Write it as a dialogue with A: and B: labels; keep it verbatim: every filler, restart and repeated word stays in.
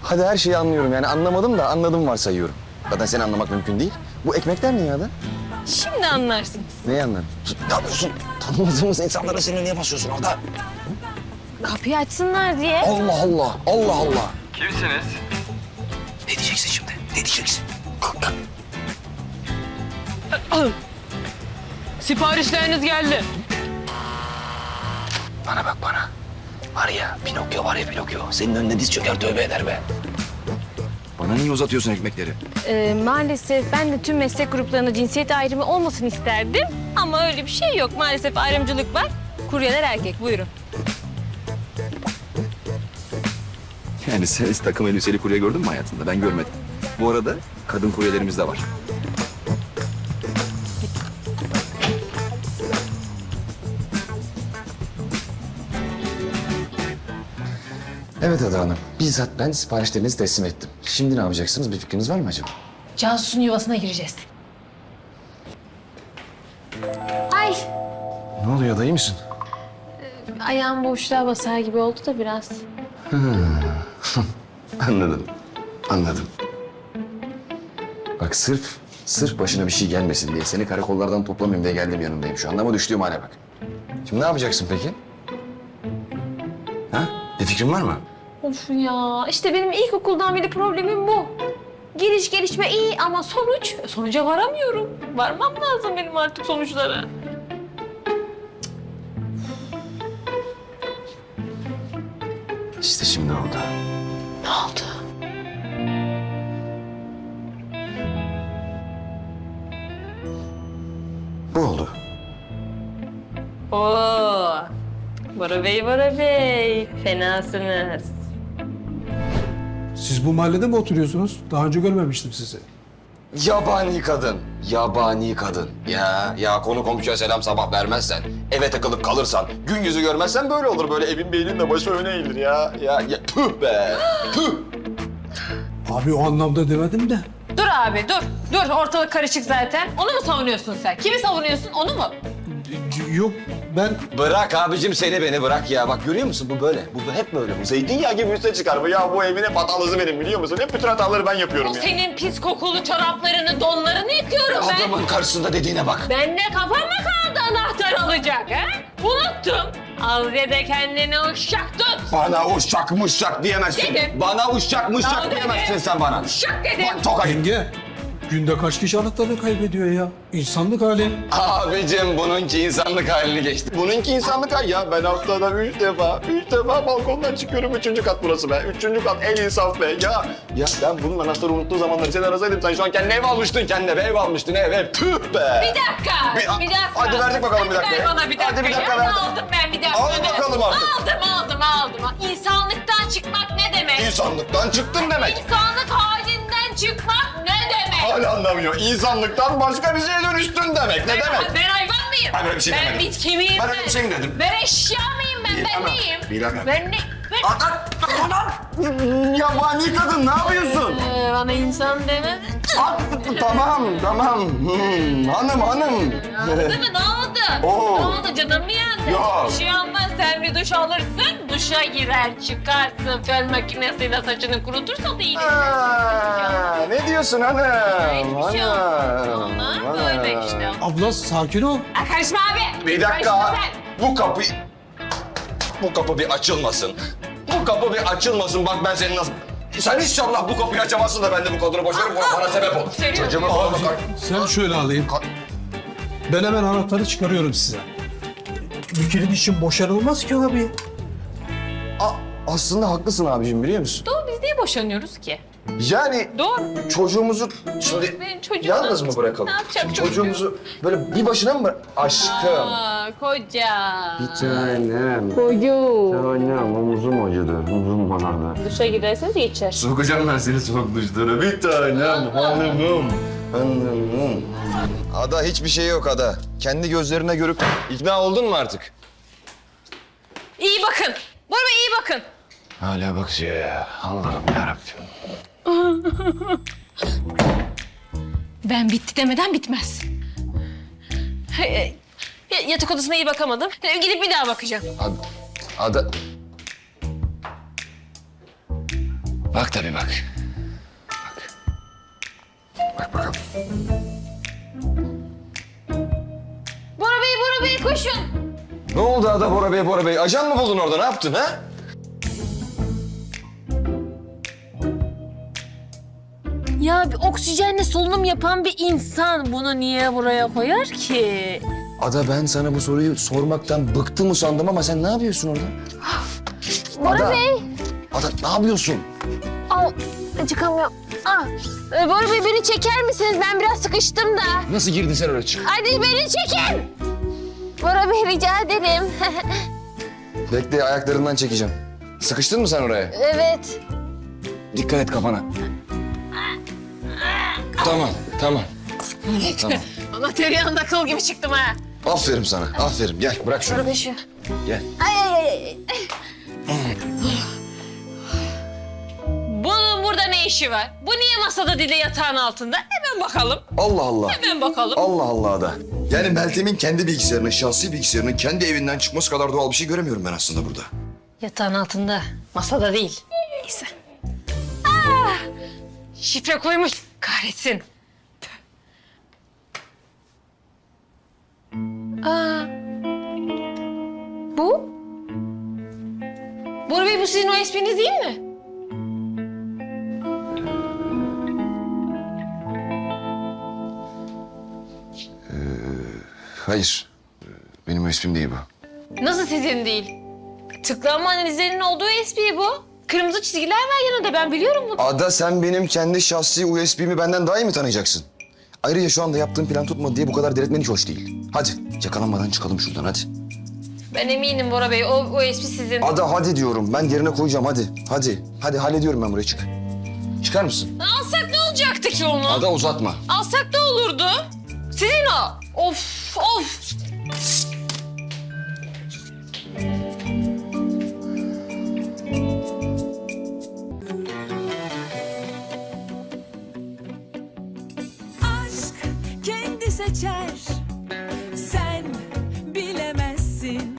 A: Hadi her şeyi anlıyorum yani anlamadım da anladım varsayıyorum. Zaten seni anlamak mümkün değil. Bu ekmekler ne ya da?
B: Şimdi anlarsınız.
A: Neyi anladın? Ne yapıyorsun? Tanımadığımız insanlara seni niye basıyorsun orada?
B: Kapıyı açsınlar diye.
A: Allah Allah, Allah Allah.
C: Kimsiniz?
A: Ne diyeceksin şimdi? Ne diyeceksin?
B: Siparişleriniz geldi.
A: Bana bak bana. Var ya Pinokyo var ya Pinokyo. Senin önüne diz çöker tövbe eder be. Bana niye uzatıyorsun ekmekleri?
B: Ee, maalesef ben de tüm meslek gruplarında cinsiyet ayrımı olmasın isterdim. Ama öyle bir şey yok. Maalesef ayrımcılık var. Kuryeler erkek. Buyurun.
A: Yani sen hiç takım elbiseli kurye gördün mü hayatında? Ben görmedim. Bu arada kadın kuryelerimiz de var. Evet Ada Hanım. Bizzat ben siparişlerinizi teslim ettim. Şimdi ne yapacaksınız? Bir fikriniz var mı acaba?
B: Cansu'nun yuvasına gireceğiz. Ay,
A: Ne oluyor da iyi misin?
B: ayağım boşluğa basar gibi oldu da biraz.
A: Anladım. Anladım. Bak sırf, sırf başına bir şey gelmesin diye seni karakollardan toplamayayım diye geldim yanındayım şu anda ama düştüğüm hale bak. Şimdi ne yapacaksın peki? Ha? Bir fikrin var mı?
B: Of ya, işte benim ilkokuldan beri problemim bu. Giriş gelişme iyi ama sonuç, sonuca varamıyorum. Varmam lazım benim artık sonuçlara.
A: İşte şimdi oldu.
B: Ne oldu?
A: Bu oldu.
B: Oo, Bora Bey, Bora Bey. Fenasınız.
D: Siz bu mahallede mi oturuyorsunuz? Daha önce görmemiştim sizi.
A: Yabani kadın. Yabani kadın. Ya ya konu komşuya selam sabah vermezsen, eve takılıp kalırsan, gün yüzü görmezsen böyle olur. Böyle evin beynin de başı öne eğilir ya. Ya, ya tüh be. Tüh.
D: Abi o anlamda demedim de.
B: Dur abi, dur. Dur, ortalık karışık zaten. Onu mu savunuyorsun sen? Kimi savunuyorsun, onu mu?
D: C- Yok ben
A: Bırak abicim seni beni bırak ya. Bak görüyor musun bu böyle. Bu bu hep böyle. Bu zeytinyağı gibi üste çıkar. Bu ya bu evin hep hatalısı benim biliyor musun? Hep bütün hataları ben yapıyorum
B: O
A: ya.
B: senin pis kokulu çoraplarını, donlarını yıkıyorum ben.
A: Adamın karşısında dediğine bak.
B: Ben de kafam mı kaldı anahtar alacak ha? Unuttum. Al ya da kendini uşak tut.
A: Bana uşak muşak diyemezsin.
B: Dedim.
A: Bana uşak
B: Tamam
A: muşak
B: dedim.
A: diyemezsin sen bana.
B: Uşak dedim.
A: Bak tokayım.
D: yenge. Günde kaç kişi anahtarını kaybediyor ya? İnsanlık hali.
A: Abicim bununki insanlık halini geçti. Bununki insanlık hali ya. Ben haftada üç defa, üç defa balkondan çıkıyorum. Üçüncü kat burası be. Üçüncü kat en insaf be. Ya ya ben bunun anahtarı unuttuğu zamanları seni arasaydım sen şu an kendine ev almıştın kendine. Ev almıştın ev ev. Tüh be.
B: Bir dakika,
A: Bir-
B: bir, dakika.
A: hadi verdik bakalım bir
B: Hadi
A: dakika
B: ver
A: ya.
B: bana bir dakika.
A: Hadi bir dakika
B: ya.
A: verdim.
B: Aldım ben bir dakika.
A: Al bakalım artık.
B: Aldım, aldım, aldım. İnsanlıktan çıkmak ne demek?
A: İnsanlıktan çıktın demek.
B: İnsanlık halinden çıkmak ne demek?
A: Hala anlamıyor. İnsanlıktan başka bir şeye dönüştün demek. Ne
B: Ben,
A: demek?
B: ben hayvan mıyım?
A: Ben öyle bir şey
B: ben
A: demedim.
B: bitki miyim
A: Ben öyle bir şey mi dedim?
B: Ben eşya mıyım ben? Ben
A: Bilemem,
B: neyim?
A: bilemem.
B: Ben ne? Ben...
A: Anam! Yabani kadın ne yapıyorsun?
B: Ee, bana insan demedi.
A: At, tamam, tamam. Hmm, hanım, hanım.
B: Değil mi? Ne oldu?
A: Oo.
B: Ne oldu? Canım mı yandı?
A: Yok.
B: Bir şey olmaz. Sen bir duş alırsın, duşa girer, çıkarsın. Fön makinesiyle saçını kurutursa da iyileşir.
A: Aa, ne diyorsun hanım?
B: Hiçbir şey olmaz. Onlar böyle işte.
D: Abla sakin ol.
B: Aa, karışma abi.
A: Bir dakika.
B: Karışma sen.
A: Bu kapı... Bu kapı bir açılmasın. Bu kapı bir açılmasın. Bak ben seni nasıl... Sen inşallah bu kapıyı açamazsın da ben de bu kadını boşarım. Bana sebep ol.
B: Seviyorum.
A: Çocuğuma falan bakar.
D: Sen şöyle alayım. Ben hemen anahtarı çıkarıyorum size. Bir kilit için boşanılmaz ki abi.
A: A- aslında haklısın abicim biliyor musun?
B: Doğru, biz niye boşanıyoruz ki?
A: Yani
B: Doğru.
A: çocuğumuzu şimdi
B: Benim çocuğum
A: yalnız
B: ne
A: mı bırakalım?
B: Ne yapacak
A: Şimdi
B: çocuğum?
A: çocuğumuzu böyle bir başına mı bırak... Aşkım.
B: Aa, koca.
A: Tanem.
B: Koyu.
A: Tanem omuzum acıdı. Omuzum ağrıdı.
B: Duşa girerseniz geçer.
A: Sokacağım ben seni soğuk duşlara. Bir tanem hanımım. Hanımım. Ada hiçbir şey yok Ada. Kendi gözlerine görüp ikna oldun mu artık?
B: İyi bakın. Bora Bey iyi bakın.
A: Hala bakıyor ya. Allah'ım yarabbim.
B: Ben bitti demeden bitmez. Hey, y- Yatak odasına iyi bakamadım. Ee, Gidip bir daha bakacağım.
A: Ada... Ada... Bak tabii bak. Bak. Bak bakalım.
B: Bora Bey, Bora Bey koşun.
A: Ne oldu Ada Bora Bey, Bora Bey? Ajan mı buldun orada? Ne yaptın ha?
B: Ya bir oksijenle solunum yapan bir insan bunu niye buraya koyar ki?
A: Ada ben sana bu soruyu sormaktan bıktım usandım ama sen ne yapıyorsun orada?
B: Bora
A: Ada.
B: Bey.
A: Ada ne yapıyorsun?
B: Al, çıkamıyorum. Ah, e, Bora Bey beni çeker misiniz? Ben biraz sıkıştım da.
A: Nasıl girdin sen oraya çık?
B: Hadi beni çekin. Bora Bey rica ederim.
A: Bekle ayaklarından çekeceğim. Sıkıştın mı sen oraya?
B: Evet.
A: Dikkat et kafana. Tamam, tamam. Tamam.
B: Ama tereyağında kıl gibi çıktım ha.
A: Aferin sana, aferin. Gel bırak şunu.
B: Bora Bey şu.
A: Gel.
B: Ay ay ay ay. Bunun burada ne işi var? Bu niye masada değil de yatağın altında? Hemen bakalım.
A: Allah Allah.
B: Hemen bakalım.
A: Allah Allah da. Yani Meltem'in kendi bilgisayarının, şahsi bilgisayarının kendi evinden çıkması kadar doğal bir şey göremiyorum ben aslında burada.
B: Yatağın altında, masada değil. Neyse. Ah! Şifre koymuş. Kahretsin. Aa. Bu? Bora Bey bu sizin o espriniz değil mi?
A: Hayır. Benim o ismim değil bu.
B: Nasıl sizin değil? Tıklanma analizlerinin olduğu espri bu. Kırmızı çizgiler var yanında, ben biliyorum bunu.
A: Ada sen benim kendi şahsi U S B'mi benden daha iyi mi tanıyacaksın? Ayrıca şu anda yaptığım plan tutmadı diye bu kadar delirtmen hiç hoş değil. Hadi yakalanmadan çıkalım şuradan hadi.
B: Ben eminim Bora Bey, o, o espri sizin.
A: Ada hadi diyorum. Ben yerine koyacağım hadi. Hadi. Hadi hallediyorum ben buraya çık. Çıkar mısın?
B: Alsak ne olacaktı ki onu?
A: Ada uzatma.
B: Alsak ne olurdu? Sizin o. Of, of.
C: Aşk kendi seçer